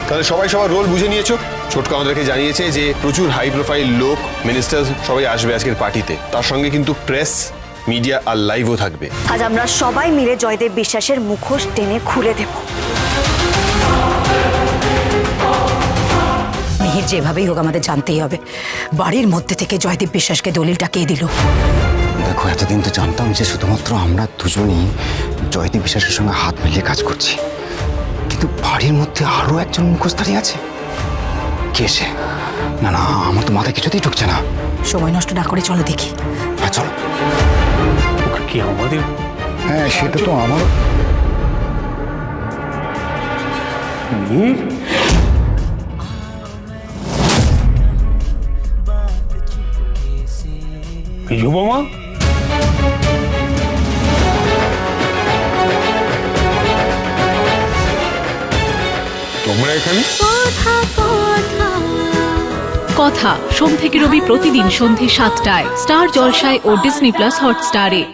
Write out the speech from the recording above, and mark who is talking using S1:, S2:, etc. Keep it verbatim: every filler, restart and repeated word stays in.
S1: তাহলে সবাই সবার রোল বুঝে নিয়েছো? ছোটকা আমাদেরকে জানিয়েছে যে প্রচুর হাই প্রোফাইল লোক, মিনিস্টার সবাই আসবে আজকের পার্টিতে। তার সঙ্গে কিন্তু প্রেস, মিডিয়া আর লাইভও থাকবে।
S2: আজ আমরা সবাই মিলে জয়দেব বিশ্বাসের মুখোশ টেনে খুলে দেব।
S3: মিহির যেভাবেই হোক আমাদের জানতেই হবে বাড়ির মধ্যে থেকে জয়দেব বিশ্বাসকে দলিলটা কে দিল।
S4: দেখো, এতদিন তো জানতাম যে শুধুমাত্র আমরা দুজনই জয়দেব বিশ্বাসের সঙ্গে হাত মিলিয়ে কাজ করছি, কিন্তু বাড়ির মধ্যে আরো একজন মুখোশধারী আছে। কে সে? না না, আমার তো মাথায় কিছুতেই ঢুকছে না।
S3: সময় নষ্ট না করে চলো দেখি।
S4: হ্যাঁ চলো।
S5: কি আমাদের?
S4: হ্যাঁ সেটা তো আমার।
S5: বিজু মামা, তোমরা এখানে?
S6: কথা সোম থেকে রবি প্রতিদিন সন্ধে সাতটায় স্টার জলসায় ও ডিজনি প্লাস হটস্টারে।